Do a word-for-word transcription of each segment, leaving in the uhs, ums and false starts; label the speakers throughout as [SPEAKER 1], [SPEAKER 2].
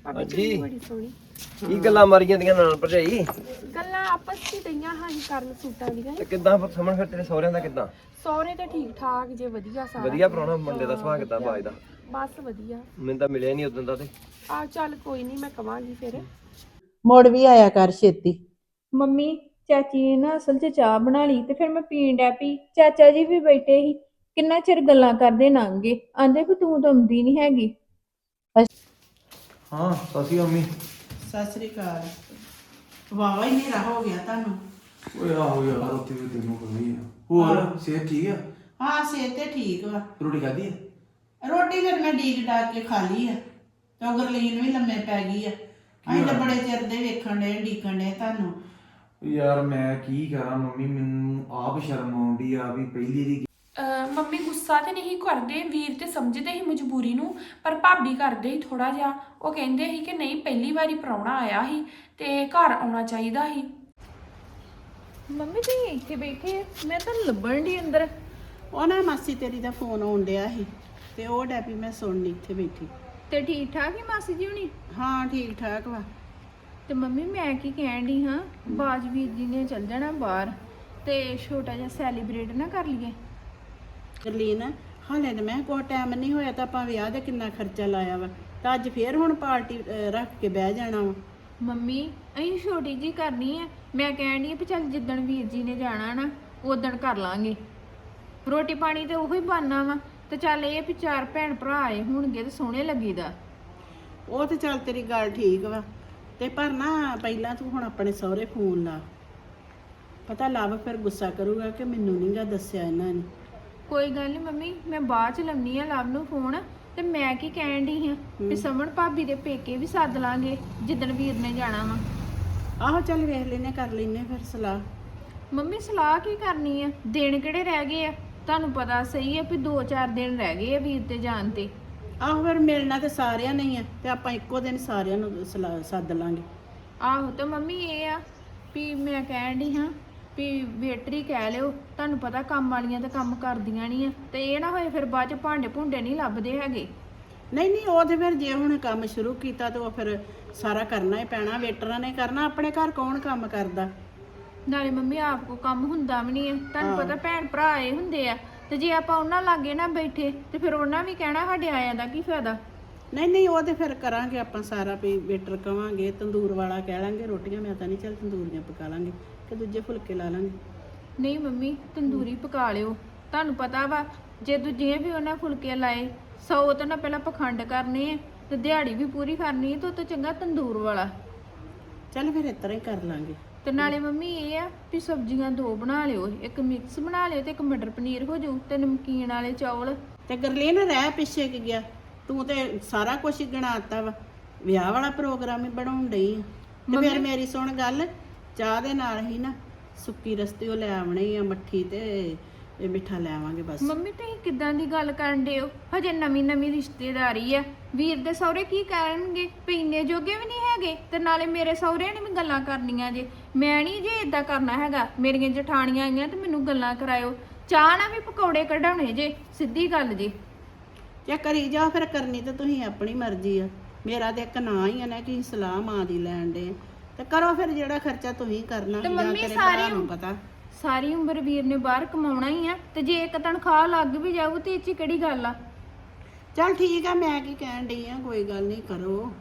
[SPEAKER 1] ਹਾਂਜੀ
[SPEAKER 2] ਬੜੀ ਸੋਹਣੀ
[SPEAKER 1] ਕੀ ਗੱਲਾਂ ਮਾਰੀਆਂ ਦੀਆਂ ਨਾਲ ਭਰਜਾਈ
[SPEAKER 2] ਗੱਲਾਂ ਆਪਸ ਵਿੱਚ ਦਈਆਂ ਹਾਂ ਹੀ ਕਰਨ ਸੂਟਾਂ ਦੀਆਂ
[SPEAKER 1] ਤੇ ਕਿੱਦਾਂ ਸਮਝ ਫਿਰ ਤੇਰੇ ਸਹੁਰਿਆਂ ਦਾ ਕਿੱਦਾਂ
[SPEAKER 2] ਸਹੁਰੇ ਤੇ ਠੀਕ ਠਾਕ ਜੇ ਵਧੀਆ ਸਾਰਾ
[SPEAKER 1] ਵਧੀਆ ਪ੍ਰਾਹੁਣਾ ਮੁੰਡੇ ਦਾ ਸੁਭਾਅ ਕਿੱਦਾਂ ਬਾਜ ਦਾ
[SPEAKER 2] ਬਸ ਵਧੀਆ
[SPEAKER 1] ਮੈਨੂੰ ਤਾਂ ਮਿਲਿਆ ਨਹੀਂ ਉਦੋਂ ਦਾ ਤੇ
[SPEAKER 2] ਆ ਚੱਲ ਕੋਈ ਨਹੀਂ ਮੈਂ ਕਵਾਂਗੀ ਫਿਰ
[SPEAKER 3] ਮੁੜ ਵੀ ਆਇਆ ਕਰ ਛੇਤੀ।
[SPEAKER 4] ਮੰਮੀ ਚਾਚੀ ਨੇ ਨਾ ਅਸਲ 'ਚ ਚਾਹ ਬਣਾ ਲਈ ਤੇ ਫਿਰ ਮੈਂ ਪੀਣ ਡੈ ਪਈ। ਚਾਚਾ ਜੀ ਵੀ ਬੈਠੇ ਸੀ, ਕਿੰਨਾ ਚਿਰ ਗੱਲਾਂ ਕਰਦੇ ਲੰਘ ਗਏ। ਆਂਦੇ ਵੀ ਤੂੰ ਤਾਂ ਆਉਂਦੀ ਨਹੀਂ ਹੈਗੀ।
[SPEAKER 5] ਹਾਂ ਸਸੀ ਮੰਮੀ
[SPEAKER 3] ਸਤਿ ਸ੍ਰੀ ਅਕਾਲ। ਵਾਵਾ ਹੀ ਹਨੇਰਾ ਹੋ ਗਿਆ ਤੁਹਾਨੂੰ।
[SPEAKER 5] ਓਏ ਆਹੋ ਯਾਰ ਰੋਟੀ ਵੀ ਤੈਨੂੰ ਖਾਣੀ ਆ ਹੋਰ ਸਿਹਤ ਠੀਕ ਆ
[SPEAKER 3] ਹਾਂ ਸਿਹਤ ਤੇ ਠੀਕ ਵਾ।
[SPEAKER 5] ਰੋਟੀ ਖਾਧੀ ਆ
[SPEAKER 3] ਰੋਟੀ ਫਿਰ ਮੈਂ ਡੀਕ ਡਾਕ ਕੇ ਖਾ ਲਈ ਆ ਤੇ ਉਹ ਗਰਲੀਨ ਵੀ ਲੰਮੇ ਪੈ ਗਈ ਆ। ਅਸੀਂ ਤਾਂ ਬੜੇ ਚਿਰ ਦੇ ਵੇਖਣ ਦੇ ਡੀਕਣ ਦੇ ਤੁਹਾਨੂੰ।
[SPEAKER 5] ਯਾਰ ਮੈਂ ਕੀ ਕਰਾਂ ਮੰਮੀ ਮੈਨੂੰ ਆਪ ਸ਼ਰਮ ਆਉਂਦੀ ਆ ਵੀ ਪਹਿਲੀ ਦੀ
[SPEAKER 2] ਮੰਮੀ ਗੁੱਸਾ ਤੇ ਨਹੀਂ ਕਰਦੇ, ਵੀਰ ਤੇ ਸਮਝਦੇ ਹੀ ਮਜਬੂਰੀ ਨੂੰ, ਪਰ ਭਾਬੀ ਕਰਦੇ ਹੀ ਥੋੜਾ ਜਿਹਾ। ਉਹ ਕਹਿੰਦੇ ਸੀ ਕਿ ਨਹੀਂ ਪਹਿਲੀ ਵਾਰੀ ਪ੍ਰਾਹੁਣਾ ਆਇਆ ਸੀ ਤੇ ਘਰ ਆਉਣਾ ਚਾਹੀਦਾ ਸੀ।
[SPEAKER 4] ਮੰਮੀ ਤੁਸੀਂ ਇੱਥੇ ਬੈਠੇ, ਮੈਂ ਤਾਂ ਲੱਭਣ ਦੀ ਅੰਦਰ।
[SPEAKER 3] ਉਹ ਨਾ ਮਾਸੀ ਤੇਰੀ ਦਾ ਫੋਨ ਆਉਣ ਡਿਆ ਸੀ ਤੇ ਉਹ ਡੈਪੀ ਮੈਂ ਸੁਣਨੀ ਇੱਥੇ ਬੈਠੀ।
[SPEAKER 4] ਤੇ ਠੀਕ ਠਾਕ ਹੀ ਮਾਸੀ ਜੀ ਹੁਣੀ?
[SPEAKER 3] ਹਾਂ ਠੀਕ ਠਾਕ ਵਾ।
[SPEAKER 4] ਤੇ ਮੰਮੀ ਮੈਂ ਕੀ ਕਹਿਣ ਡਈ ਹਾਂ, ਬਾਜਵੀਰ ਜੀ ਨੇ ਚੱਲ ਜਾਣਾ ਬਾਹਰ ਤੇ ਛੋਟਾ ਜਿਹਾ ਸੈਲੀਬ੍ਰੇਟ ਨਾ ਕਰ ਲਈਏ।
[SPEAKER 3] ਗਰਲੀਨ ਹਾਲੇ ਤਾਂ ਮੈਂ ਕੋਈ ਟਾਈਮ ਨਹੀਂ ਹੋਇਆ ਤਾਂ ਆਪਾਂ ਵਿਆਹ ਦਾ ਕਿੰਨਾ ਖਰਚਾ ਲਾਇਆ ਵਾ ਤਾਂ ਅੱਜ ਫੇਰ ਹੁਣ ਪਾਰਟੀ ਰੱਖ ਕੇ ਬਹਿ ਜਾਣਾ ਵਾ।
[SPEAKER 4] ਮੰਮੀ ਅਸੀਂ ਛੋਟੀ ਜੀ ਕਰਨੀ ਆ। ਮੈਂ ਕਹਿਣ ਡਈ ਵੀ ਚੱਲ ਜਿੱਦਣ ਵੀਰ ਜੀ ਨੇ ਜਾਣਾ ਨਾ ਉਦਣ ਕਰ ਲਾਂਗੇ। ਰੋਟੀ ਪਾਣੀ ਤੇ ਉਹੀ ਬਣਨਾ ਵਾ ਤੇ ਚੱਲ ਇਹ ਵੀ ਚਾਰ ਭੈਣ ਭਰਾ ਆਏ ਹੋਣਗੇ ਤੇ ਸੋਹਣੇ ਲੱਗੀਦਾ।
[SPEAKER 3] ਉਹ ਤੇ ਚੱਲ ਤੇਰੀ ਗੱਲ ਠੀਕ ਵਾ ਤੇ ਪਰ ਨਾ ਪਹਿਲਾਂ ਤੂੰ ਹੁਣ ਆਪਣੇ ਸਹੁਰੇ ਫੋਨ ਲਾ। ਪਤਾ ਲੱਭ ਫਿਰ ਗੁੱਸਾ ਕਰੂਗਾ ਕਿ ਮੈਨੂੰ ਨੀ ਗਾ ਦੱਸਿਆ ਇਹਨਾਂ ਨੇ।
[SPEAKER 4] ਕੋਈ ਗੱਲ ਨਹੀਂ ਮੰਮੀ, ਮੈਂ ਬਾਅਦ ਚ ਲੰਮੀ ਆ ਲਵ ਨੂੰ ਫੋਨ। ਤੇ ਮੈਂ ਕੀ ਕਹਿਣ ਡਈ ਹਾਂ ਵੀ ਸਮਣ ਭਾਬੀ ਦੇ ਪੇਕੇ ਵੀ ਸੱਦ ਲਾਂਗੇ ਜਿੱਦਣ ਵੀਰ ਨੇ ਜਾਣਾ ਵਾ।
[SPEAKER 3] ਆਹੋ ਚੱਲ ਵੇਖ ਲੈਨੇ ਕਰ ਲੈਨੇ ਫਿਰ ਸਲਾਹ।
[SPEAKER 4] ਮੰਮੀ ਸਲਾਹ ਕੀ ਕਰਨੀ ਆ, ਦਿਨ ਕਿਹੜੇ ਰਹਿ ਗਏ ਆ? ਤੁਹਾਨੂੰ ਪਤਾ ਸਹੀ ਆ ਵੀ ਦੋ ਚਾਰ ਦਿਨ ਰਹਿ ਗਏ ਆ ਵੀਰ ਤੇ ਜਾਣ ਤੇ।
[SPEAKER 3] ਆਹੋ ਫਿਰ ਮਿਲਣਾ ਤੇ ਸਾਰਿਆਂ ਨੇ ਹੀ ਆ ਤੇ ਆਪਾਂ ਇੱਕੋ ਦਿਨ ਸਾਰਿਆਂ ਨੂੰ ਸਲਾਹ ਸੱਦ ਲਾਂਗੇ।
[SPEAKER 4] ਆਹੋ ਤੇ ਮੰਮੀ ਇਹ ਆ ਵੀ ਮੈਂ ਕਹਿਣ ਡਈ ਹਾਂ ਵੀ ਵੇਟਰ ਹੀ ਕਹਿ ਲਿਓ। ਤੁਹਾਨੂੰ ਪਤਾ ਕੰਮ ਵਾਲੀਆਂ ਤਾਂ ਕੰਮ ਕਰਦੀਆਂ ਨਹੀਂ ਆ ਤੇ ਇਹ ਨਾ ਹੋਏ ਫਿਰ ਬਾਅਦ ਚ ਭਾਂਡੇ ਭੁੰਡੇ ਨਹੀਂ ਲੱਭਦੇ ਹੈਗੇ।
[SPEAKER 3] ਨਹੀਂ ਨਹੀਂ ਉਹ ਤੇ ਫਿਰ ਜੇ ਹੁਣ ਕੰਮ ਸ਼ੁਰੂ ਕੀਤਾ ਤੇ ਉਹ ਫਿਰ ਸਾਰਾ ਕਰਨਾ ਹੀ ਪੈਣਾ। ਵੇਟਰਾਂ ਨੇ ਕਰਨਾ, ਆਪਣੇ ਘਰ ਕੌਣ ਕੰਮ ਕਰਦਾ।
[SPEAKER 4] ਨਾਲੇ ਮੰਮੀ ਆਪ ਕੋ ਕੰਮ ਹੁੰਦਾ ਵੀ ਨਹੀਂ ਆ। ਤੁਹਾਨੂੰ ਪਤਾ ਭੈਣ ਭਰਾ ਆਏ ਹੁੰਦੇ ਆ ਤੇ ਜੇ ਆਪਾਂ ਉਹਨਾਂ ਲਾਗੇ ਨਾ ਬੈਠੇ ਤੇ ਫਿਰ ਉਹਨਾਂ ਵੀ ਕਹਿਣਾ ਸਾਡੇ ਆਇਆਂ ਦਾ ਕੀ ਫਾਇਦਾ।
[SPEAKER 3] ਨਹੀਂ ਨਹੀਂ ਉਹ ਤੇ ਫਿਰ ਕਰਾਂਗੇ ਆਪਾਂ ਸਾਰਾ ਵੀ ਵੇਟਰ ਕਵਾਂਗੇ, ਤੰਦੂਰ ਵਾਲਾ ਕਹਿ ਲਾਂਗੇ। ਰੋਟੀਆਂ ਮੈਂ ਤਾਂ ਨਹੀਂ ਚੱਲ ਤੰਦੂਰੀਆਂ ਪਕਾ ਲਾਂਗੇ ਤੇ ਦੂਜੇ ਫੁਲਕੇ ਲਾ ਲਾਂਗੇ।
[SPEAKER 4] ਨਹੀਂ ਮੰਮੀ ਤੰਦੂਰੀ ਪਕਾ ਲਿਓ। ਤੁਹਾਨੂੰ ਪਤਾ ਵਾ ਜੇ ਦੂਜੀਆਂ ਵੀ ਉਹਨਾਂ ਫੁਲਕੇ ਲਾਏ ਸੌ ਤਾਂ ਨਾ ਪਹਿਲਾਂ ਪਖੰਡ ਕਰਨੇ ਆ ਤੇ ਦਿਹਾੜੀ ਵੀ ਪੂਰੀ ਕਰਨੀ ਤੇ ਉਹ ਤੋਂ ਚੰਗਾ ਤੰਦੂਰ ਵਾਲਾ।
[SPEAKER 3] ਚੱਲ ਫਿਰ ਇਸ ਤਰ੍ਹਾਂ ਹੀ ਕਰ ਲਾਂਗੇ।
[SPEAKER 4] ਤੇ ਨਾਲੇ ਮੰਮੀ ਇਹ ਆ ਵੀ ਸਬਜ਼ੀਆਂ ਦੋ ਬਣਾ ਲਿਓ, ਇੱਕ ਮਿਕਸ ਬਣਾ ਲਿਓ ਤੇ ਇੱਕ ਮਟਰ ਪਨੀਰ ਹੋ ਜਾਊ ਤੇ ਨਮਕੀਨ ਵਾਲੇ ਚੌਲ।
[SPEAKER 3] ਤੇ ਗਰਲੀਨ ਰਹਿ ਪਿੱਛੇ ਕਿ ਗਿਆ, ਤੂੰ ਤੇ ਸਾਰਾ ਕੁਝ ਹੀ ਗਣਾਤਾ ਵਾ। ਵਿਆਹ ਵਾਲਾ ਪ੍ਰੋਗਰਾਮ ਹੀ ਬਣਾਉਣ ਡਈ ਆ। ਤੇ ਫਿਰ ਮੇਰੀ ਸੁਣ ਗੱਲ, ਚਾਹ ਦੇ ਨਾਲ ਹੀ ਨਾ ਸੁੱਕੀ ਰਸਤੇ ਉਹ ਲੈ ਆਉਣੀ ਆ, ਮੱਠੀ ਤੇ ਇਹ ਮਿੱਠਾ ਲੈ ਆਵਾਂਗੇ ਬਸ।
[SPEAKER 4] ਮੰਮੀ ਤੁਸੀਂ ਕਿੱਦਾਂ ਦੀ ਗੱਲ ਕਰਨ ਡਏ ਹੋ? ਹਜੇ ਨਵੀਂ ਨਵੀਂ ਰਿਸ਼ਤੇਦਾਰੀ ਆ। ਵੀਰ ਦੇ ਸਹੁਰੇ ਕੀ ਕਰਨਗੇ? ਵੀ ਇੰਨੇ ਜੋਗੇ ਵੀ ਨਹੀਂ ਹੈਗੇ ਤੇ ਨਾਲੇ ਮੇਰੇ ਸਹੁਰਿਆਂ ਨੇ ਵੀ ਗੱਲਾਂ ਕਰਨੀਆਂ ਜੇ। ਮੈਂ ਨਹੀਂ ਜੇ ਇਦਾਂ ਕਰਨਾ ਹੈਗਾ। ਮੇਰੀਆਂ ਜਠਾਣੀਆਂ ਆਈਆਂ ਤੇ ਮੈਨੂੰ ਗੱਲਾਂ ਕਰਾਇਓ। ਚਾਹ ਨਾ ਵੀ ਪਕੌੜੇ ਕਢਾਉਣੇ ਜੇ, ਸਿੱਧੀ ਗੱਲ ਜੇ।
[SPEAKER 3] ਜੇ ਕਰੀ ਜਾ ਫਿਰ, ਕਰਨੀ ਤੇ ਤੁਸੀਂ ਆਪਣੀ ਮਰਜ਼ੀ ਆ। ਮੇਰਾ ਤੇ ਇੱਕ ਨਾਂ ਹੀ ਆ ਨਾ ਕਿ ਸਲਾਹ ਮਾਂ ਦੀ ਲੈਣ ਦੇ ਤੇ ਕਰੋ ਫਿਰ ਜਿਹੜਾ ਖਰਚਾ ਤੁਸੀਂ ਕਰਨਾ
[SPEAKER 4] ਤੇ
[SPEAKER 3] ਜਾਂ
[SPEAKER 4] ਮੰਮੀ
[SPEAKER 3] ਤੇਰੇ ਭਰਾ
[SPEAKER 4] ਸਾਰੀ
[SPEAKER 3] ਨੂੰ ਪਤਾ।
[SPEAKER 4] ਸਾਰੀ ਉਮਰ ਵੀਰ ਨੇ ਬਾਹਰ ਕਮਾਉਣਾ ਹੀ ਆ ਤੇ ਜੇ ਇੱਕ ਤਨਖਾਹ ਲੱਗ ਵੀ ਜਾਊ ਤੇ ਇਹ 'ਚ ਕਿਹੜੀ ਗੱਲ ਆ?
[SPEAKER 3] ਚੱਲ ਠੀਕ ਆ, ਮੈਂ ਕੀ ਕਹਿਣ ਡਈ ਆ, ਕੋਈ ਗੱਲ ਨਹੀਂ ਕਰੋ।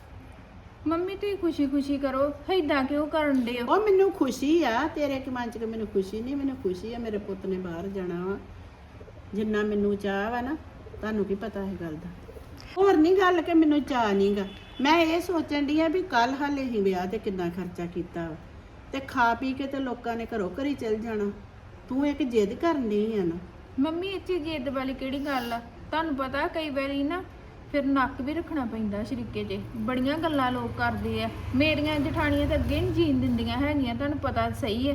[SPEAKER 4] ਮੰਮੀ ਤੁਸੀਂ ਖੁਸ਼ੀ ਖੁਸ਼ੀ ਕਰੋ, ਏਦਾਂ ਕਿਉਂ ਕਰਨ ਡਏ ਹੋ?
[SPEAKER 3] ਉਹ ਮੈਨੂੰ ਖੁਸ਼ੀ ਆ, ਤੇਰੇ ਕਿ ਮਨ ਚ ਕਿ ਮੈਨੂੰ ਖੁਸ਼ੀ ਨਹੀਂ। ਮੈਨੂੰ ਖੁਸ਼ੀ ਆ ਮੇਰੇ ਪੁੱਤ ਨੇ ਬਾਹਰ ਜਾਣਾ ਵਾ। ਜਿੰਨਾ ਮੈਨੂੰ ਚਾਹ ਵਾ ਨਾ, ਤੁਹਾਨੂੰ ਕੀ ਪਤਾ ਇਹ ਗੱਲ ਦਾ। ਹੋਰ ਨਹੀਂ ਗੱਲ ਕਿ ਮੈਨੂੰ ਚਾਹ ਨਹੀਂਗਾ। ਮੈਂ ਇਹ ਸੋਚਣ ਡਈ ਆ ਵੀ ਕੱਲ ਹਾਲੇ ਹੀ ਵਿਆਹ ਤੇ ਕਿੰਨਾ ਖਰਚਾ ਕੀਤਾ ਵਾ ਤੇ ਖਾ ਪੀ ਕੇ ਤੇ ਲੋਕਾਂ ਨੇ ਘਰੋਂ ਘਰੀ ਚਲ ਜਾਣਾ। ਤੂੰ ਇੱਕ ਜਿੱਦ ਕਰਨ ਡਈ ਆ ਨਾ।
[SPEAKER 4] ਮੰਮੀ ਇਹ 'ਚ ਜਿੱਦ ਵਾਲੀ ਕਿਹੜੀ ਗੱਲ ਆ? ਤੁਹਾਨੂੰ ਪਤਾ ਕਈ ਵਾਰੀ ਨਾ ਫਿਰ ਨੱਕ ਵੀ ਰੱਖਣਾ ਪੈਂਦਾ ਸ਼ਰੀਕੇ 'ਚ। ਬੜੀਆਂ ਗੱਲਾਂ ਲੋਕ ਕਰਦੇ ਆ। ਮੇਰੀਆਂ ਜਠਾਣੀਆਂ ਤਾਂ ਅੱਗੇ ਨਹੀਂ ਜੀਣ ਦਿੰਦੀਆਂ ਹੈਗੀਆਂ, ਤੁਹਾਨੂੰ ਪਤਾ ਸਹੀ ਹੈ।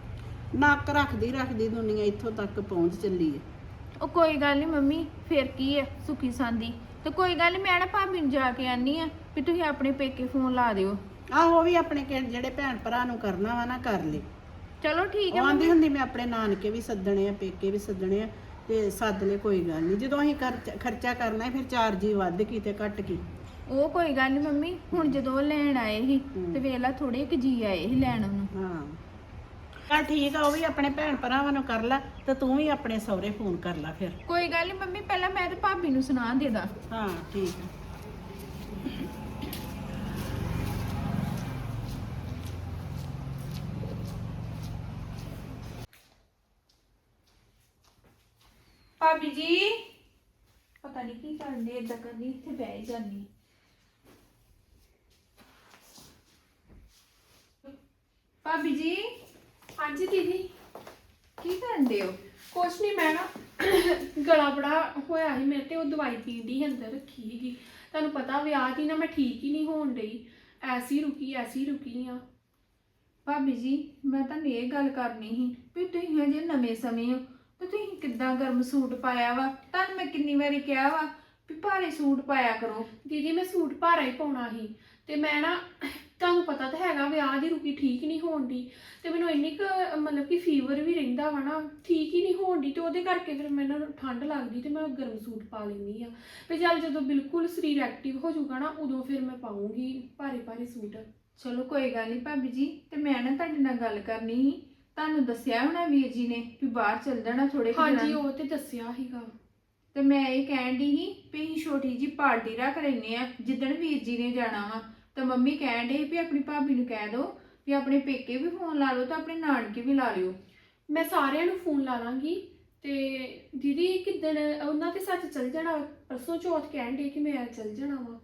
[SPEAKER 3] ਨੱਕ ਰੱਖਦੀ ਰੱਖਦੀ ਦੁਨੀਆ ਇੱਥੋਂ ਤੱਕ ਪਹੁੰਚ ਚੱਲੀ ਹੈ।
[SPEAKER 4] ਉਹ ਕੋਈ ਗੱਲ ਨਹੀਂ ਮੰਮੀ, ਫਿਰ ਕੀ ਹੈ ਸੁਖੀ ਸਾਂਦੀ। ਤੇ ਕੋਈ ਗੱਲ ਨਹੀਂ, ਮੈਂ ਨਾ ਭਾਬੀ ਨੂੰ ਜਾ ਕੇ ਆਨੀ ਆ ਵੀ ਤੁਸੀਂ ਆਪਣੇ ਪੇਕੇ ਫੋਨ ਲਾ ਦਿਓ।
[SPEAKER 3] ਆਹੋ ਉਹ ਵੀ ਆਪਣੇ ਕਿ- ਜਿਹੜੇ ਭੈਣ ਭਰਾ ਨੂੰ ਕਰਨਾ ਵਾ ਨਾ ਕਰ ਲੈ।
[SPEAKER 4] ਚਲੋ ਠੀਕ ਹੈ
[SPEAKER 3] ਉਹ ਆਂਦੀ
[SPEAKER 4] ਮੰਮੀ।
[SPEAKER 3] ਹੁੰਦੀ ਮੈਂ ਆਪਣੇ ਨਾਨਕੇ ਵੀ ਸੱਦਣੇ ਆ, ਪੇਕੇ ਵੀ ਸੱਦਣੇ ਆ ਤੇ ਸੱਦ ਲੈ, ਕੋਈ ਗੱਲ ਨਹੀਂ। ਜਦੋਂ ਅਸੀਂ ਖਰਚਾ ਖਰਚਾ ਕਰਨਾ ਹੈ ਫਿਰ ਚਾਰ ਜੀ ਵੱਧ ਕੀ ਤੇ ਘੱਟ ਕੀ।
[SPEAKER 4] ਉਹ ਕੋਈ ਗੱਲ ਨਹੀਂ ਮੰਮੀ, ਹੁਣ ਜਦੋਂ ਉਹ ਲੈਣ ਆਏ ਸੀ ਤੇ ਵੇਲਾ ਥੋੜੇ ਕੁ ਜੀ ਆਏ ਸੀ ਲੈਣ ਉਹਨੂੰ।
[SPEAKER 3] ਹਾਂ ਚੱਲ ਠੀਕ ਆ, ਉਹ ਵੀ ਆਪਣੇ ਭੈਣ ਭਰਾਵਾਂ ਨੂੰ ਕਰ ਲੈ ਤੇ ਤੂੰ ਵੀ ਆਪਣੇ ਸਹੁਰੇ ਫੋਨ ਕਰ ਲੈ ਫਿਰ।
[SPEAKER 4] ਕੋਈ ਗੱਲ ਨਹੀਂ ਮੰਮੀ, ਪਹਿਲਾਂ ਮੈਂ ਤੇ ਭਾਬੀ ਨੂੰ ਸੁਣਾ ਦੇ ਦਾਂ।
[SPEAKER 3] ਹਾਂ ਠੀਕ ਆ।
[SPEAKER 4] ਭਾਬੀ ਜੀ ਪਤਾ ਨਹੀਂ ਕੀ ਕਰਨ ਦੇ, ਏਦਾਂ ਕਰਨੀ ਇੱਥੇ ਬਹਿ ਹੀ ਜਾਂਦੀ। ਭਾਬੀ ਜੀ
[SPEAKER 2] ਹਾਂਜੀ ਦੀਦੀ,
[SPEAKER 4] ਕੀ ਕਰਨ ਦੇ ਹੋ?
[SPEAKER 2] ਕੁਛ ਨਹੀਂ, ਮੈਂ ਨਾ ਗਲਾ ਬੜਾ ਹੋਇਆ ਸੀ ਮੇਰੇ ਤੇ, ਉਹ ਦਵਾਈ ਪੀਣ ਦੀ ਅੰਦਰ ਰੱਖੀ ਸੀਗੀ। ਤੁਹਾਨੂੰ ਪਤਾ ਵਿਆਹ ਦੀ ਨਾ ਮੈਂ ਠੀਕ ਹੀ ਨਹੀਂ ਹੋਣ ਡਈ, ਐਸੀ ਰੁਕੀ ਐਸੀ ਰੁਕੀ ਆ।
[SPEAKER 4] ਭਾਬੀ ਜੀ ਮੈਂ ਤੁਹਾਨੂੰ ਇਹ ਗੱਲ ਕਰਨੀ ਸੀ ਵੀ ਤੁਸੀਂ ਹਜੇ ਨਵੇਂ ਸਮੇਂ ਹੋ ਤੇ ਤੁਸੀਂ ਕਿੱਦਾਂ ਗਰਮ ਸੂਟ ਪਾਇਆ ਵਾ। ਤੁਹਾਨੂੰ ਮੈਂ ਕਿੰਨੀ ਵਾਰੀ ਕਿਹਾ ਵਾ ਵੀ ਭਾਰੇ ਸੂਟ ਪਾਇਆ ਕਰੋ।
[SPEAKER 2] ਦੀਦੀ ਮੈਂ ਸੂਟ ਭਾਰਾ ਹੀ ਪਾਉਣਾ ਸੀ ਤੇ ਮੈਂ ਨਾ, ਤੁਹਾਨੂੰ ਪਤਾ ਤਾਂ ਹੈਗਾ ਵਿਆਹ ਦੀ ਰੁਕੀ ਠੀਕ ਨਹੀਂ ਹੋਣ ਦੀ, ਤੇ ਮੈਨੂੰ ਇੰਨੀ ਕੁ ਮਤਲਬ ਕਿ ਫੀਵਰ ਵੀ ਰਹਿੰਦਾ ਵਾ ਨਾ, ਠੀਕ ਹੀ ਨਹੀਂ ਹੋਣ ਦੀ, ਤੇ ਉਹਦੇ ਕਰਕੇ ਫਿਰ ਮੈਨੂੰ ਠੰਡ ਲੱਗਦੀ ਤੇ ਮੈਂ ਗਰਮ ਸੂਟ ਪਾ ਲੈਂਦੀ ਆ। ਤੇ ਚੱਲ ਜਦੋਂ ਬਿਲਕੁਲ ਸਰੀਰ ਐਕਟਿਵ ਹੋ ਜਾਊਗਾ ਨਾ, ਉਦੋਂ ਫਿਰ ਮੈਂ ਪਾਉਂਗੀ ਭਾਰੇ ਭਾਰੇ ਸੂਟ।
[SPEAKER 4] ਚਲੋ ਕੋਈ ਗੱਲ ਨਹੀਂ ਭਾਬੀ ਜੀ, ਤੇ ਮੈਂ ਨਾ ਤੁਹਾਡੇ ਨਾਲ ਗੱਲ ਕਰਨੀ ਸੀ। ਤੁਹਾਨੂੰ ਦੱਸਿਆ ਹੋਣਾ ਵੀਰ ਜੀ ਨੇ ਵੀ ਬਾਹਰ ਚੱਲ ਜਾਣਾ ਥੋੜੇ ਕੁ ਦਿਨਾਂ
[SPEAKER 2] ਹਾਂਜੀ
[SPEAKER 4] ਨੂੰ।
[SPEAKER 2] ਉਹ ਤੇ ਦੱਸਿਆ ਸੀਗਾ।
[SPEAKER 4] ਤੇ ਮੈਂ ਇਹ ਕਹਿਣ ਦੀ ਸੀ ਵੀ ਅਸੀਂ ਛੋਟੀ ਜੀ ਪਾਰਟੀ ਰੱਖ ਲੈਨੇ ਆ ਜਿੱਦਣ ਵੀਰ ਜੀ ਨੇ ਜਾਣਾ ਵਾ। ਤਾਂ ਮੰਮੀ ਕਹਿਣ ਡਈ ਵੀ ਆਪਣੀ ਭਾਬੀ ਨੂੰ ਕਹਿ ਦਿਓ ਵੀ ਆਪਣੇ ਪੇਕੇ ਵੀ ਫੋਨ ਲਾ ਲਓ ਤੇ ਆਪਣੇ ਨਾਨਕੇ ਵੀ ਲਾ ਲਿਓ।
[SPEAKER 2] ਮੈਂ ਸਾਰਿਆਂ ਨੂੰ ਫੋਨ ਲਾ ਲਾਂਗੀ। ਤੇ ਦੀਦੀ ਕਿੱਦਣ ਉਹਨਾਂ ਤੇ ਸੱਚ ਚੱਲ ਜਾਣਾ, ਪਰਸੋਂ ਚੌਥ ਕਹਿਣ ਦੇ ਕਿ ਮੈਂ ਚੱਲ ਜਾਣਾ ਵਾ।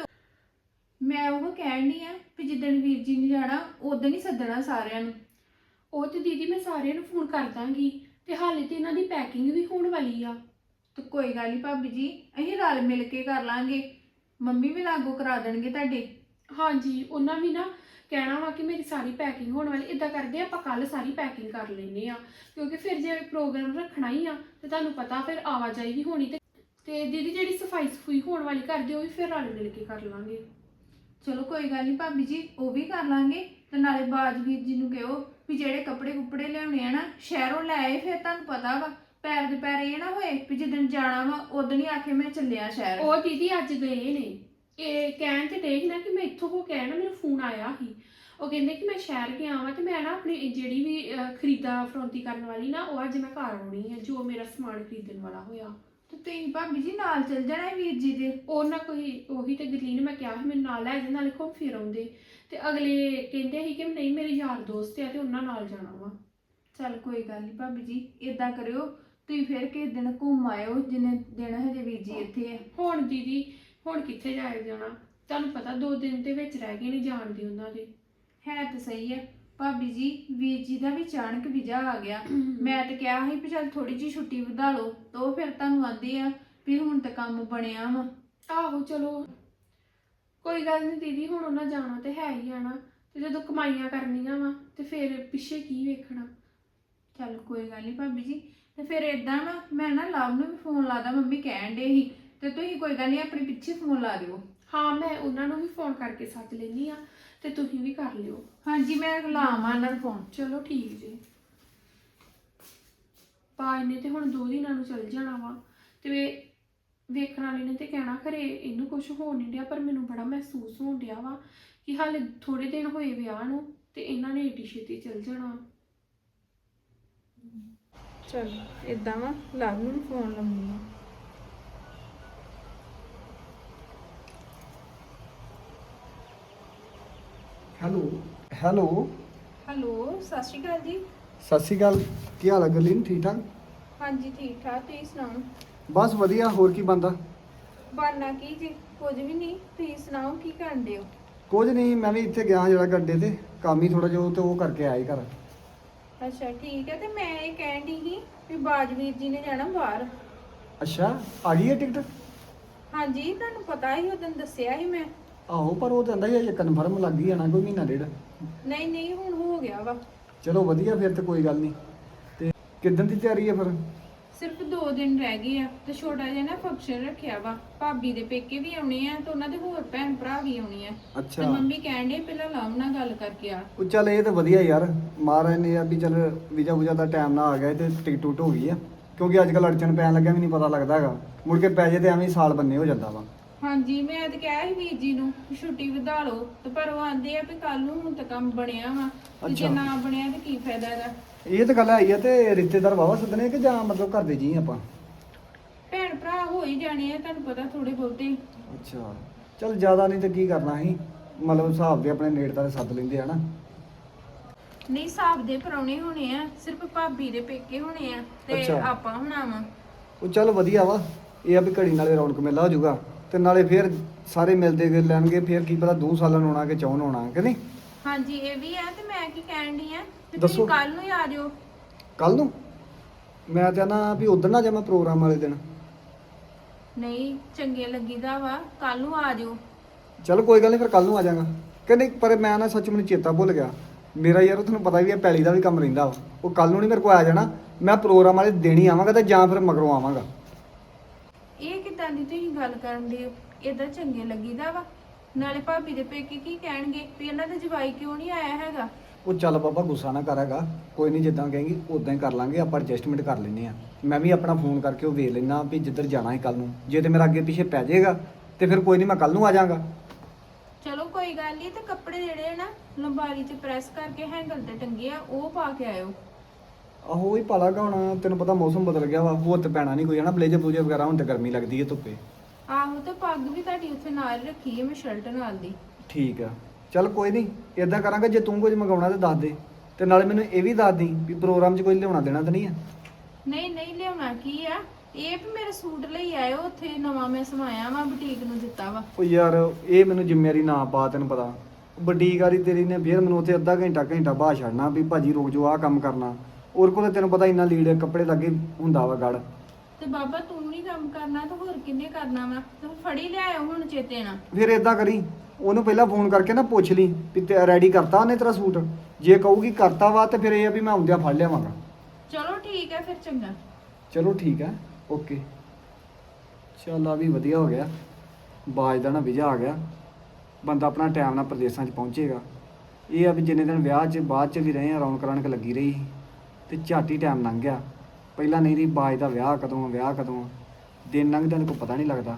[SPEAKER 4] ਮੈਂ ਉਹ ਕਹਿਣ ਡਈ ਆ ਵੀ ਜਿੱਦਣ ਵੀਰ ਜੀ ਨੇ ਜਾਣਾ ਉਦੋਂ ਹੀ ਸੱਦਣਾ ਸਾਰਿਆਂ ਨੂੰ।
[SPEAKER 2] ਉਹ ਤੇ ਦੀਦੀ ਮੈਂ ਸਾਰਿਆਂ ਨੂੰ ਫੋਨ ਕਰ ਦਾਂਗੀ, ਤੇ ਹਾਲੇ ਤੇ ਇਹਨਾਂ ਦੀ ਪੈਕਿੰਗ ਵੀ ਹੋਣ ਵਾਲੀ ਆ।
[SPEAKER 4] ਤੇ ਕੋਈ ਗੱਲ ਨਹੀਂ ਭਾਬੀ ਜੀ, ਅਸੀਂ ਰਲ ਮਿਲ ਕੇ ਕਰ ਲਾਂਗੇ। ਮੰਮੀ ਵੀ ਲਾਗੂ ਕਰਾ ਦੇਣਗੇ ਤੁਹਾਡੇ।
[SPEAKER 2] ਹਾਂਜੀ ਉਹਨਾਂ ਵੀ ਨਾ ਕਹਿਣਾ ਵਾ ਕਿ ਮੇਰੀ ਸਾਰੀ ਪੈਕਿੰਗ ਹੋਣ ਵਾਲੀ। ਇਦਾਂ ਕਰਦੇ ਆਪਾਂ ਕੱਲ ਸਾਰੀ ਪੈਕਿੰਗ ਕਰ ਲੈਨੇ ਆ, ਕਿਉਂਕਿ ਫਿਰ ਜੇ ਪ੍ਰੋਗਰਾਮ ਰੱਖਣਾ ਹੀ ਆ ਤੇ ਤੁਹਾਨੂੰ ਪਤਾ ਫਿਰ ਆਵਾਜਾਈ ਵੀ ਹੋਣੀ। ਤੇ ਤੇ ਦੀਦੀ ਜਿਹੜੀ ਸਫਾਈ ਸਫੂਈ ਹੋਣ ਵਾਲੀ ਕਰਦੇ ਉਹ ਵੀ ਫਿਰ ਰਲ ਮਿਲ ਕੇ ਕਰ ਲਾਂਗੇ।
[SPEAKER 4] ਚਲੋ ਕੋਈ ਗੱਲ ਨਹੀਂ ਭਾਬੀ ਜੀ, ਉਹ ਵੀ ਕਰ ਲਾਂਗੇ। ਤੇ ਨਾਲੇ ਬਾਜ ਵੀਰ ਜੀ ਨੂੰ ਕਹੋ ਵੀ ਜਿਹੜੇ ਕੱਪੜੇ ਕੁੱਪੜੇ ਲਿਆਉਣੇ ਆ ਨਾ ਸ਼ਹਿਰੋਂ ਲੈ ਆਏ। ਫਿਰ ਤੁਹਾਨੂੰ ਪਤਾ ਵਾ ਪੈਰ ਦੇ ਪੈਰ ਇਹ ਨਾ ਹੋਏ ਵੀ ਜਿੱਦਣ ਜਾਣਾ ਵਾ ਉਦੋਂ ਹੀ ਆਖੇ ਮੈਂ ਚੱਲਿਆ ਸ਼ਹਿਰ।
[SPEAKER 2] ਉਹ ਦੀਦੀ ਅੱਜ ਗਏ ਨੇ, ਇਹ ਕਹਿਣ ਤੇ ਦੇਖ ਨਾ ਕਿ ਮੈਂ ਇੱਥੋਂ ਹੋ ਕੇ ਆਇਆ ਨਾ, ਮੈਨੂੰ ਫੋਨ ਆਇਆ ਸੀ। ਉਹ ਕਹਿੰਦੇ ਕਿ ਮੈਂ ਸ਼ਹਿਰ ਗਿਆ ਵਾਂ ਤੇ ਮੈਂ ਨਾ ਆਪਣੀ ਜਿਹੜੀ ਵੀ ਅਹ, ਖਰੀਦਾ ਫਰੋਂਤੀ ਕਰਨ ਵਾਲੀ ਨਾ, ਉਹ ਅੱਜ ਮੈਂ ਘਰ ਆਉਣੀ ਹੈ, ਜੋ ਮੇਰਾ ਸਮਾਨ ਖਰੀਦਣ ਵਾਲਾ ਹੋਇਆ।
[SPEAKER 4] ਤੇ ਤੁਸੀਂ ਭਾਬੀ ਜੀ ਨਾਲ ਚੱਲ ਜਾਣਾ ਹੈ ਵੀਰ ਜੀ ਦੇ।
[SPEAKER 2] ਉਹ ਨਾ ਕੋਈ ਉਹੀ ਤੇ ਗਰਲੀਨ ਮੈਂ ਕਿਹਾ ਸੀ ਮੈਨੂੰ ਨਾਲ ਲੈ ਜਾ, ਨਾਲੇ ਘੁੰਮ ਫਿਰ ਆਉਂਦੇ। ਤੇ ਅਗਲੇ ਕਹਿੰਦੇ ਸੀ ਕਿ ਨਹੀਂ ਮੇਰੇ ਯਾਰ ਦੋਸਤ ਆ ਤੇ ਉਹਨਾਂ ਨਾਲ ਜਾਣਾ ਵਾ।
[SPEAKER 4] ਚੱਲ ਕੋਈ ਗੱਲ ਨਹੀਂ ਭਾਬੀ ਜੀ, ਇਦਾਂ ਕਰਿਓ ਤੁਸੀਂ ਫਿਰ ਕਿਸੇ ਦਿਨ ਘੁੰਮ ਆਇਓ ਜਿੰਨੇ ਦਿਨ ਹਜੇ ਵੀਰ ਜੀ ਇੱਥੇ ਆ।
[SPEAKER 2] ਹੁਣ ਦੀਦੀ ਹੁਣ ਕਿੱਥੇ ਜਾਇਆ ਜਾਣਾ, ਤੁਹਾਨੂੰ ਪਤਾ ਦੋ ਦਿਨ ਦੇ ਵਿੱਚ ਰਹਿ ਗਏ ਨਹੀਂ ਜਾਣ ਦੀ ਉਹਨਾਂ ਦੇ।
[SPEAKER 4] ਹੈ ਤਾਂ ਸਹੀ ਹੈ ਭਾਬੀ ਜੀ, ਵੀਰ ਜੀ ਦਾ ਵੀ ਅਚਾਨਕ ਵੀਜ਼ਾ ਆ ਗਿਆ। ਮੈਂ ਤਾਂ ਕਿਹਾ ਸੀ ਵੀ ਚੱਲ ਥੋੜੀ ਜਿਹੀ ਛੁੱਟੀ ਵਧਾ ਲਓ, ਤਾਂ ਉਹ ਫਿਰ ਤੁਹਾਨੂੰ ਆਂਦੇ ਆ ਵੀ ਹੁਣ ਤਾਂ ਕੰਮ ਬਣਿਆ ਵਾ।
[SPEAKER 2] ਆਹੋ ਚਲੋ ਕੋਈ ਗੱਲ ਨਹੀਂ ਦੀਦੀ, ਹੁਣ ਉਹਨਾਂ ਜਾਣਾ ਤੇ ਹੈ ਹੀ ਆਣਾ, ਤੇ ਜਦੋਂ ਕਮਾਈਆਂ ਕਰਨੀਆਂ ਵਾ ਤੇ ਫਿਰ ਪਿੱਛੇ ਕੀ ਵੇਖਣਾ।
[SPEAKER 4] ਚੱਲ ਕੋਈ ਗੱਲ ਨਹੀਂ ਭਾਬੀ ਜੀ, ਤੇ ਫਿਰ ਇਦਾਂ ਵਾ ਮੈਂ ਨਾ ਲਵ ਨੂੰ ਵੀ ਫੋਨ ਲਾਦਾ, ਮੰਮੀ ਕਹਿਣ ਡੇ ਸੀ। ਤੇ ਤੁਸੀਂ ਕੋਈ ਗੱਲ ਨਹੀਂ ਆਪਣੇ ਪਿੱਛੇ ਫੋਨ ਲਾ ਦਿਓ।
[SPEAKER 2] ਹਾਂ ਮੈਂ ਉਹਨਾਂ ਨੂੰ ਵੀ ਫੋਨ ਕਰਕੇ ਸੱਦ ਲੈਣੀ ਆ, ਤੇ ਤੁਸੀਂ ਵੀ ਕਰ ਲਿਓ।
[SPEAKER 4] ਹਾਂਜੀ ਮੈਂ ਲਾਵਾਂ ਉਹਨਾਂ ਨੂੰ ਫੋਨ।
[SPEAKER 2] ਚਲੋ ਠੀਕ ਜੀ। ਪਾਜ ਨੇ ਤੇ ਹੁਣ ਦੋ ਦਿਨਾਂ ਨੂੰ ਚੱਲ ਜਾਣਾ ਵਾ, ਤੇ ਵੇਖਣ ਵਾਲੇ ਨੇ ਤੇ ਕਹਿਣਾ ਖਰੇ ਇਹਨੂੰ ਕੁਝ ਹੋਣ ਨਹੀਂ ਡਿਆ, ਪਰ ਮੈਨੂੰ ਬੜਾ ਮਹਿਸੂਸ ਹੋਣ ਡਿਆ ਵਾ ਕਿ ਹਾਲੇ ਥੋੜੇ ਦਿਨ ਹੋਏ ਵਿਆਹ ਨੂੰ ਤੇ ਇਹਨਾਂ ਨੇ ਏਡੀ ਛੇਤੀ ਚੱਲ ਜਾਣਾ।
[SPEAKER 4] ਚਲ ਇਦਾਂ ਵਾ ਲਵ ਨੂੰ ਫੋਨ ਲਾਉਂਦੀ ਆ।
[SPEAKER 6] ਹੈਲੋ ਹੈਲੋ
[SPEAKER 4] ਹੈਲੋ ਸਤਿ ਸ਼੍ਰੀ ਅਕਾਲ ਜੀ।
[SPEAKER 6] ਸਤਿ ਸ਼੍ਰੀ ਅਕਾਲ। ਕੀ ਹਾਲ ਹੈ ਗਰਲੀਨ, ਠੀਕ ਠਾਕ?
[SPEAKER 4] ਹਾਂਜੀ ਠੀਕ ਠਾਕ, ਤੁਸੀਂ ਸੁਣਾਓ?
[SPEAKER 6] ਬਸ ਵਧੀਆ, ਹੋਰ ਕੀ ਬੰਦਾ?
[SPEAKER 4] ਬਾਨਾ ਕੀ ਜੀ, ਕੁਝ ਵੀ ਨਹੀਂ, ਤੁਸੀਂ ਸੁਣਾਓ ਕੀ ਕਰਨ ਦੇ ਹੋ?
[SPEAKER 6] ਕੁਝ ਨਹੀਂ, ਮੈਂ ਵੀ ਇੱਥੇ ਗਿਆ ਜਿਹੜਾ ਗੱਡੇ ਤੇ ਕੰਮ ਹੀ ਥੋੜਾ ਜਿਹਾ, ਤੇ ਉਹ ਕਰਕੇ ਆਇਆ ਹੀ ਘਰ।
[SPEAKER 4] ਅੱਛਾ ਠੀਕ ਹੈ, ਤੇ ਮੈਂ ਇਹ ਕਹਿਣ ਦੀ ਸੀ ਵੀ ਬਾਜਵੀਰ ਜੀ ਨੇ ਜਾਣਾ ਬਾਹਰ।
[SPEAKER 6] ਅੱਛਾ ਆ ਗਈ ਹੈ ਟਿਕਟ?
[SPEAKER 4] ਹਾਂਜੀ ਤੁਹਾਨੂੰ ਪਤਾ ਹੀ ਉਦੋਂ ਦੱਸਿਆ ਸੀ ਮੈਂ।
[SPEAKER 6] ਆਹੋ ਪਰ ਉਹ ਕਹਿੰਦਾ ਹੀ ਕਨਫਰਮ ਲੱਗ ਗਈ ਜਾਣਾ ਕੋਈ ਮਹੀਨਾ ਡੇਢ।
[SPEAKER 4] ਨਹੀਂ ਨਹੀਂ ਹੁਣ ਹੋ ਗਿਆ ਵਾ।
[SPEAKER 6] ਚਲੋ ਵਧੀਆ, ਫਿਰ ਤੇ ਕੋਈ ਗੱਲ ਨਹੀਂ। ਤੇ ਕਿੱਦਣ ਦੀ ਤਿਆਰੀ ਹੈ ਫਿਰ?
[SPEAKER 4] ਸਿਰਫ ਦੋ ਦਿਨ ਰਹਿ ਗਏ ਆ, ਤੇ ਛੋਟਾ ਜਿਹਾ ਨਾ ਫੰਕਸ਼ਨ ਰੱਖਿਆ ਵਾ। ਭਾਬੀ ਦੇ ਪੇਕੇ ਵੀ ਆਉਣੇ ਆ ਤੇ ਉਹਨਾਂ ਦੇ ਹੋਰ ਭੈਣ ਭਰਾ ਵੀ ਆਉਣੇ ਆ। ਤੇ
[SPEAKER 6] ਅੱਛਾ
[SPEAKER 4] ਮੰਮੀ ਕਹਿਣ ਦੇ ਪਹਿਲਾਂ ਲਵ ਨਾਲ ਗੱਲ ਕਰਕੇ ਆ।
[SPEAKER 6] ਉਹ ਚੱਲ ਇਹ ਤਾਂ ਵਧੀਆ ਯਾਰ, ਮਹਾਰਾਜ ਨੇ ਆ ਵੀ ਚੱਲ ਵੀਜ਼ਾ ਵੂਜਾ ਦਾ ਟਾਈਮ ਨਾ ਆ ਗਿਆ ਤੇ ਟਿਕਟ ਟੁੱਟ ਹੋ ਗਈ ਆ, ਕਿਉਂਕਿ ਅੱਜ ਕੱਲ੍ਹ ਅੜਚਨ ਪੈਣ ਲੱਗਿਆ ਵੀ ਨਹੀਂ ਪਤਾ ਲੱਗਦਾ ਹੈਗਾ, ਮੁੜ ਕੇ ਪੈ ਜੇ ਤੇ ਐਵੇਂ ਹੀ ਸਾਲ ਬੰਨੇ ਹੋ ਜਾਂਦਾ ਵਾ।
[SPEAKER 4] ਹਾਂਜੀ ਮੈਂ ਤੇ ਕਿਹਾ ਸੀ ਵੀਰ ਜੀ ਨੂੰ ਕਿ ਛੁੱਟੀ ਵਧਾ ਲਓ ਤੇ ਪਰ ਉਹ ਆਂਦੇ ਆ ਵੀ ਕੱਲ ਨੂੰ ਹੁਣ ਤਾਂ ਕੰਮ ਬਣਿਆ ਵਾ ਤੇ ਜੇ
[SPEAKER 6] ਅੱਛਾ।
[SPEAKER 4] ਨਾ ਬਣਿਆ ਤੇ ਕੀ ਫਾਇਦਾ ਇਹਦਾ।
[SPEAKER 6] ਇਹ ਤਾਂ ਗੱਲ ਆਈ ਆ ਤੇ ਰਿਸ਼ਤੇਦਾਰ ਵਾਵਾ ਸੱਦਣੇ ਕਿ ਜਾਂ ਮਤਲਬ ਘਰ ਦੇ ਜੀ ਆਪਾਂ?
[SPEAKER 4] ਭੈਣ ਭਰਾ ਹੋ ਹੀ ਜਾਣੇ ਆ ਤੁਹਾਨੂੰ ਪਤਾ ਥੋੜੇ ਬਹੁਤੇ।
[SPEAKER 6] ਅੱਛਾ ਚਲ ਜ਼ਿਆਦਾ ਨਹੀਂ ਤੇ ਕੀ ਕਰਨਾ ਸੀ, ਮਤਲਬ ਹਿਸਾਬ ਦੇ ਆਪਣੇ ਨੇੜਤਾ ਦੇ ਸੱਦ ਲੈਂਦੇ ਆ ਨਾ।
[SPEAKER 4] ਨਹੀਂ ਹਿਸਾਬ ਦੇ ਪਰੌਣੇ ਹੋਣੇ ਆ, ਸਿਰਫ ਭਾਬੀ ਦੇ ਪੇਕੇ ਹੋਣੇ ਆ ਤੇ
[SPEAKER 6] ਅੱਛਾ।
[SPEAKER 4] ਆਪਾਂ ਹੋਣਾ ਵਾ।
[SPEAKER 6] ਉਹ ਚੱਲ ਵਧੀਆ ਵਾ, ਇਹ ਆ ਵੀ ਘੜੀ ਨਾਲੇ ਰੌਣਕ ਮੇਲਾ ਹੋ ਜਾਊਗਾ ਤੇ ਨਾਲੇ ਫੇਰ ਸਾਰੇ ਮਿਲਦੇ ਗਏ ਲੈਣਗੇ, ਫੇਰ ਕੀ ਪਤਾ ਦੋ ਸਾਲਾਂ ਨੂੰ ਆਉਣਾ ਕਿ ਚੌਂ ਨੂੰ ਆਉਣਾ ਕਿ ਨਹੀਂ।
[SPEAKER 4] ਹਾਂਜੀ ਇਹ ਵੀ ਆ ਤੇ ਮੈਂ ਕੀ ਕਹਿਣ ਡਈ ਆ ਤੇ
[SPEAKER 6] ਦੱਸੋ।
[SPEAKER 4] ਤੁਸੀਂ ਕੱਲ ਨੂੰ ਹੀ ਆ ਜਾਓ।
[SPEAKER 6] ਕੱਲ ਨੂੰ? ਮੈਂ ਚਾਹਨਾ ਵੀ ਉਧਰ ਨਾ ਜਾਵਾਂ ਪ੍ਰੋਗਰਾਮ ਵਾਲੇ ਦਿਨ।
[SPEAKER 4] ਨਹੀਂ ਚੰਗੇ ਲੱਗੀਦਾ ਵਾ, ਕੱਲ ਨੂੰ ਆ ਜਾਓ।
[SPEAKER 6] ਚਲ ਕੋਈ ਗੱਲ ਨਹੀਂ, ਫਿਰ ਕੱਲ ਨੂੰ ਆ ਜਾਵਾਂਗਾ ਕਿ ਨਹੀਂ। ਪਰ ਮੈਂ ਨਾ ਸੱਚ ਮੈਨੂੰ ਚੇਤਾ ਭੁੱਲ ਗਿਆ, ਮੇਰਾ ਯਾਰ ਤੁਹਾਨੂੰ ਪਤਾ ਵੀ ਹੈ ਪੈਲੀ ਦਾ ਵੀ ਕੰਮ ਰਹਿੰਦਾ ਵਾ। ਉਹ ਕੱਲ ਨੂੰ ਨਹੀਂ ਮੇਰੇ ਕੋਲ ਆ ਜਾਣਾ, ਮੈਂ ਪ੍ਰੋਗਰਾਮ ਵਾਲੇ ਦਿਨ ਹੀ ਆਵਾਂਗਾ ਤੇ ਜਾਂ ਫਿਰ ਮਗਰੋਂ ਆਵਾਂਗਾ।
[SPEAKER 4] ਇਹ ਕਿਦਾਂ ਦੀ ਤੁਸੀਂ ਗੱਲ ਕਰਨ ਦੇ ਹੋ? ਏਦਾਂ ਚੰਗੇ ਲੱਗੀਦਾ ਵਾ। ਨਾਲੇ ਭਾਬੀ ਦੇ ਪੇਕੇ ਕੀ ਕਹਿਣਗੇ ਵੀ ਇਹਨਾਂ ਦਾ ਜਵਾਈ ਕਿਉਂ ਨਹੀਂ ਆਇਆ ਹੈਗਾ।
[SPEAKER 6] ਉਹ ਚੱਲ ਬਾਬਾ ਗੁੱਸਾ ਨਾ ਕਰ ਹੈਗਾ, ਕੋਈ ਨਹੀਂ ਜਿੱਦਾਂ ਕਹੇਂਗੀ ਉਦਾਂ ਹੀ ਕਰ ਲਾਂਗੇ, ਆਪਾਂ ਐਡਜਸਟਮੈਂਟ ਕਰ ਲੈਂਦੇ ਆ। ਮੈਂ ਵੀ ਆਪਣਾ ਫੋਨ ਕਰਕੇ ਉਹ ਵੇਖ ਲੈਣਾ ਵੀ ਜਿੱਧਰ ਜਾਣਾ ਹੈ ਕੱਲ ਨੂੰ, ਜੇ ਤੇ ਮੇਰਾ ਅੱਗੇ ਪਿੱਛੇ ਪੈ ਜਾਏਗਾ ਤੇ ਫਿਰ ਕੋਈ ਨਹੀਂ ਮੈਂ ਕੱਲ ਨੂੰ ਆ ਜਾਵਾਂਗਾ।
[SPEAKER 4] ਚਲੋ ਕੋਈ ਗੱਲ ਨਹੀਂ, ਤੇ ਕੱਪੜੇ ਜਿਹੜੇ ਆ ਨਾ ਲੰਬਾਰੀ 'ਚ ਪ੍ਰੈਸ ਕਰਕੇ ਹੈਂਗਲ ਤੇ ਟੰਗੇ ਆ ਉਹ ਪਾ ਕੇ ਆਇਓ।
[SPEAKER 6] ਆਹੋ ਹੀ ਪਾਲਾਗਾ, ਹੁਣ ਤੈਨੂੰ ਪਤਾ ਮੌਸਮ ਬਦਲ ਗਿਆ ਵਾ, ਹੋਰ ਤੇ ਪੈਣਾ ਨਹੀਂ ਕੋਈ ਹਨਾ। ਬਲੇਜਰ ਬਲੂਜਰ ਵਗੈਰਾ ਹੁਣ ਤੇ ਗਰਮੀ ਲੱਗਦੀ ਹੈ ਧੁੱਪੇ।
[SPEAKER 4] ਆਹੋ ਤੇ ਪੱਗ ਵੀ ਤੁਹਾਡੀ ਉੱਥੇ ਨਾਲ ਰੱਖੀ ਹੈ ਮੈਂ ਸ਼ਰਟ ਨਾਲ ਦੀ।
[SPEAKER 6] ਠੀਕ ਆ ਚੱਲ ਕੋਈ ਨਹੀਂ, ਇਦਾਂ ਕਰਾਂਗਾ ਜੇ ਤੂੰ ਕੁਝ ਮੰਗਾਉਣਾ ਤੇ ਦੱਸ ਦੇ, ਤੇ ਨਾਲੇ ਮੈਨੂੰ ਇਹ ਵੀ ਦੱਸ ਦੀ ਵੀ ਪ੍ਰੋਗਰਾਮ 'ਚ ਕੋਈ ਲਿਆਉਣਾ ਦੇਣਾ ਤਾਂ ਨਹੀਂ ਆ।
[SPEAKER 4] ਨਹੀਂ ਨਹੀਂ ਲਿਆਉਣਾ ਕੀ ਆ, ਇਹ ਵੀ ਮੇਰੇ ਸੂਟ ਲਈ ਆਇਓ, ਉੱਥੇ ਨਵਾਂ ਮੈਂ ਸਮਾਇਆ ਵਾ ਬੁਟੀਕ ਨੂੰ ਦਿੱਤਾ ਵਾ।
[SPEAKER 6] ਉਹ ਯਾਰ ਇਹ ਮੈਨੂੰ ਜ਼ਿੰਮੇਵਾਰੀ ਨਾ ਪਾ, ਤੈਨੂੰ ਪਤਾ ਵੱਡੀ ਗਾੜੀ ਤੇਰੀ ਨੇ ਫੇਰ ਮੈਨੂੰ ਉੱਥੇ ਅੱਧਾ ਘੰਟਾ ਘੰਟਾ ਬਾਹਰ ਛੱਡਣਾ ਵੀ ਭਾਜੀ ਰੁਕ ਜਾਓ ਆਹ ਕੰਮ ਕਰਨਾ। ਔਰ ਕੋਲ ਤੈਨੂੰ ਪਤਾ ਇੰਨਾ ਲੀੜੇ ਕੱਪੜੇ ਲੱਗੇ ਹੁੰਦਾ ਵਾ ਗੜ।
[SPEAKER 4] ਤੇ ਬਾਬਾ ਤੂੰ ਨਹੀਂ ਕੰਮ ਕਰਨਾ ਤਾਂ ਹੋਰ ਕਿੰਨੇ ਕਰਨਾ ਵਾ? ਤੂੰ ਫੜੀ ਲਿਆਇਓ ਹੁਣ ਚੇਤੇ ਨਾਲ।
[SPEAKER 6] ਫਿਰ ਇਦਾਂ ਕਰੀ, ਉਹਨੂੰ ਪਹਿਲਾਂ ਫੋਨ ਕਰਕੇ ਨਾ ਪੁੱਛ ਲਈ ਵੀ ਤੇ ਰੈਡੀ ਕਰਤਾ ਉਹਨੇ ਤੇਰਾ ਸੂਟ। ਜੇ ਕਹੂਗੀ ਕਰਤਾ ਵਾ ਤੇ ਫਿਰ ਇਹ ਆ ਵੀ ਮੈਂ ਆਉਂਦਿਆਂ ਫੜ ਲਿਆਵਾਂਗਾ।
[SPEAKER 4] ਚਲੋ ਠੀਕ ਹੈ ਫਿਰ, ਚੰਗਾ।
[SPEAKER 6] ਚਲੋ ਠੀਕ ਹੈ, ਓਕੇ। ਚੱਲ ਆ ਵੀ ਵਧੀਆ ਹੋ ਗਿਆ, ਬਾਜ ਦਾ ਨਾ ਵੀਜ਼ਾ ਆ ਗਿਆ, ਬੰਦਾ ਆਪਣਾ ਟਾਈਮ ਨਾਲ ਪ੍ਰਦੇਸ਼ਾਂ 'ਚ ਪਹੁੰਚੇਗਾ। ਇਹ ਆ ਵੀ ਜਿੰਨੇ ਦਿਨ ਵਿਆਹ 'ਚ ਬਾਅਦ 'ਚ ਵੀ ਰਹੇ ਆ ਰੌਣਕ ਰੌਣਕ ਲੱਗੀ ਰਹੀ ਤੇ ਝੱਟ ਹੀ ਟਾਈਮ ਲੰਘ ਗਿਆ। ਪਹਿਲਾਂ ਨਹੀਂ ਰਹੀ ਬਾਜ ਦਾ ਵਿਆਹ ਕਦੋਂ, ਵਿਆਹ ਕਦੋਂ, ਦਿਨ ਲੰਘਦਿਆਂ ਨੂੰ ਕੋਈ ਪਤਾ ਨਹੀਂ ਲੱਗਦਾ।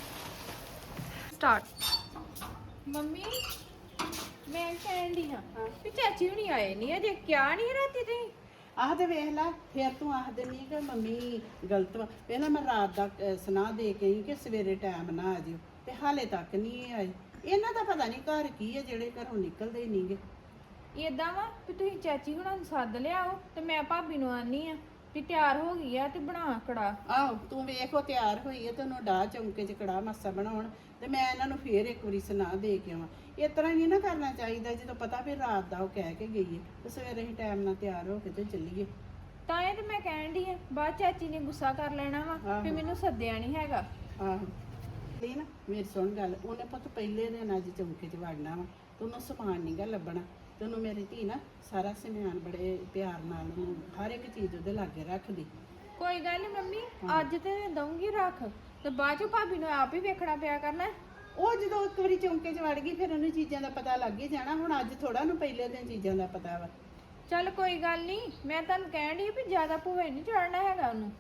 [SPEAKER 4] ਸਟਾਰਟ। ਮੰਮੀ ਮੈਂ ਕਹਿਣ ਡਈ ਹਾਂ ਵੀ ਚਾਚੀ ਹੁਣੀ ਆਏ ਨਹੀਂ ਅਜੇ, ਕਿਆ ਨਹੀਂ ਰਾਤੀ ਤੇ?
[SPEAKER 3] ਆਹ ਤੇ ਵੇਖ ਲੈ, ਫਿਰ ਤੂੰ ਆਖ ਦਿੰਦੀ ਕਿ ਮੰਮੀ ਗਲਤ ਵਾ। ਪਹਿਲਾਂ ਮੈਂ ਰਾਤ ਦਾ ਅਹ, ਸੁਨਾਹ ਦੇ ਕੇ ਆਈ ਕਿ ਸਵੇਰੇ ਟਾਈਮ ਨਾ ਆ ਜਿਓ, ਤੇ ਹਾਲੇ ਤੱਕ ਨਹੀਂ ਆਏ। ਇਹਨਾਂ ਦਾ ਪਤਾ ਨਹੀਂ ਘਰ ਕੀ ਹੈ ਜਿਹੜੇ ਘਰੋਂ ਨਿਕਲਦੇ ਹੀ ਨਹੀਂਗੇ।
[SPEAKER 4] ਏਦਾਂ ਵਾ ਵੀ ਤੁਸੀਂ ਚਾਚੀ ਹੁਣਾਂ ਨੂੰ ਸੱਦ ਲਿਆਓ ਤੇ ਮੈਂ ਭਾਬੀ ਨੂੰ ਆਨੀ ਆ ਵੀ ਤਿਆਰ ਹੋ ਗਈ ਆ ਤੇ ਬਣਾ ਕੜਾ।
[SPEAKER 3] ਆਹੋ ਤੂੰ ਵੇਖੋ ਤਿਆਰ ਹੋਈ ਹੈ ਤੇ ਉਹਨੂੰ ਡਾਹ ਚੌਂਕੇ 'ਚ ਕੜਾ ਮਾਸਾ ਬਣਾਉਣ, ਤੇ ਮੈਂ ਇਹਨਾਂ ਨੂੰ ਫੇਰ ਇੱਕ ਵਾਰੀ ਸੁਨਾਹ ਦੇ ਕੇ ਆਵਾਂ। ਇਸ ਤਰ੍ਹਾਂ ਨਹੀਂ ਨਾ ਕਰਨਾ ਚਾਹੀਦਾ, ਜਦੋਂ ਪਤਾ ਵੀ ਰਾਤ ਦਾ ਉਹ ਕਹਿ ਕੇ ਗਈ ਹੈ ਤੇ ਸਵੇਰੇ ਹੀ ਟਾਈਮ ਨਾਲ ਤਿਆਰ ਹੋ ਕੇ ਤੇ ਚੱਲੀਏ।
[SPEAKER 4] ਤਾਂ ਇਹ ਤੇ ਮੈਂ ਕਹਿਣ ਡਈ ਆ, ਬਾਅਦ ਚਾਚੀ ਨੇ ਗੁੱਸਾ ਕਰ ਲੈਣਾ ਵਾ ਵੀ
[SPEAKER 3] ਆਹੋ।
[SPEAKER 4] ਮੈਨੂੰ ਸੱਦਿਆ ਨਹੀਂ ਹੈਗਾ।
[SPEAKER 3] ਆਹੋ ਲਈ ਨਾ ਮੇਰੀ ਸੁਣ ਗੱਲ, ਉਹਨੇ ਪੁੱਤ ਪਹਿਲੇ ਦਿਨ ਅੱਜ ਚੌਂਕੇ 'ਚ ਵੜਨਾ ਵਾ, ਤੇ ਉਹਨੂੰ ਸਮਾਨ ਨਹੀਂਗਾ ਲੱਭਣਾ। ਤੇ ਉਹਨੂੰ ਮੇਰੀ ਧੀ ਨਾ ਸਾਰਾ ਸਮਾਨ ਬੜੇ ਪਿਆਰ ਨਾਲ ਉਹਨੂੰ ਹਰ ਇੱਕ ਚੀਜ਼ ਉਹਦੇ ਲਾਗੇ ਰੱਖਦੀ।
[SPEAKER 4] ਕੋਈ ਗੱਲ ਨਹੀਂ ਮੰਮੀ, ਅੱਜ ਤੇ ਦਊਂਗੀ ਰੱਖ, ਤੇ ਬਾਅਦ ਚ ਭਾਬੀ ਨੂੰ ਆਪ ਹੀ ਵੇਖਣਾ ਪਿਆ ਕਰਨਾ।
[SPEAKER 3] ਉਹ ਜਦੋਂ ਇੱਕ ਵਾਰੀ ਚੌਂਕੇ 'ਚ ਵੜ ਗਈ ਫਿਰ ਉਹਨੂੰ ਚੀਜ਼ਾਂ ਦਾ ਪਤਾ ਲੱਗ ਹੀ ਜਾਣਾ। ਹੁਣ ਅੱਜ ਥੋੜਾ ਨੂੰ ਪਹਿਲੇ ਦਿਨ ਚੀਜ਼ਾਂ ਦਾ ਪਤਾ ਵਾ।
[SPEAKER 4] ਚੱਲ ਕੋਈ ਗੱਲ ਨਹੀਂ, ਮੈਂ ਤੁਹਾਨੂੰ ਕਹਿਣ ਡਈ ਵੀ ਜ਼ਿਆਦਾ ਭੂਏ ਨਹੀਂ ਚੜਨਾ ਹੈਗਾ ਉਹਨੂੰ।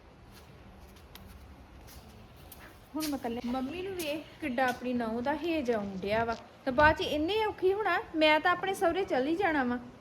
[SPEAKER 4] ਹੁਣ ਮੈਂ ਕੱਲੇ ਮੰਮੀ ਨੂੰ ਵੇਖ ਕਿੱਡਾ ਆਪਣੀ ਨਹੁੰ ਦਾ ਹੇਜ ਆਉਣ ਡਿਆ ਵਾ, ਤੇ ਬਾਅਦ ਚ ਇੰਨੇ ਔਖੀ ਹੋਣਾ, ਮੈਂ ਤਾਂ ਆਪਣੇ ਸਹੁਰੇ ਚਲ ਹੀ ਜਾਣਾ ਵਾ।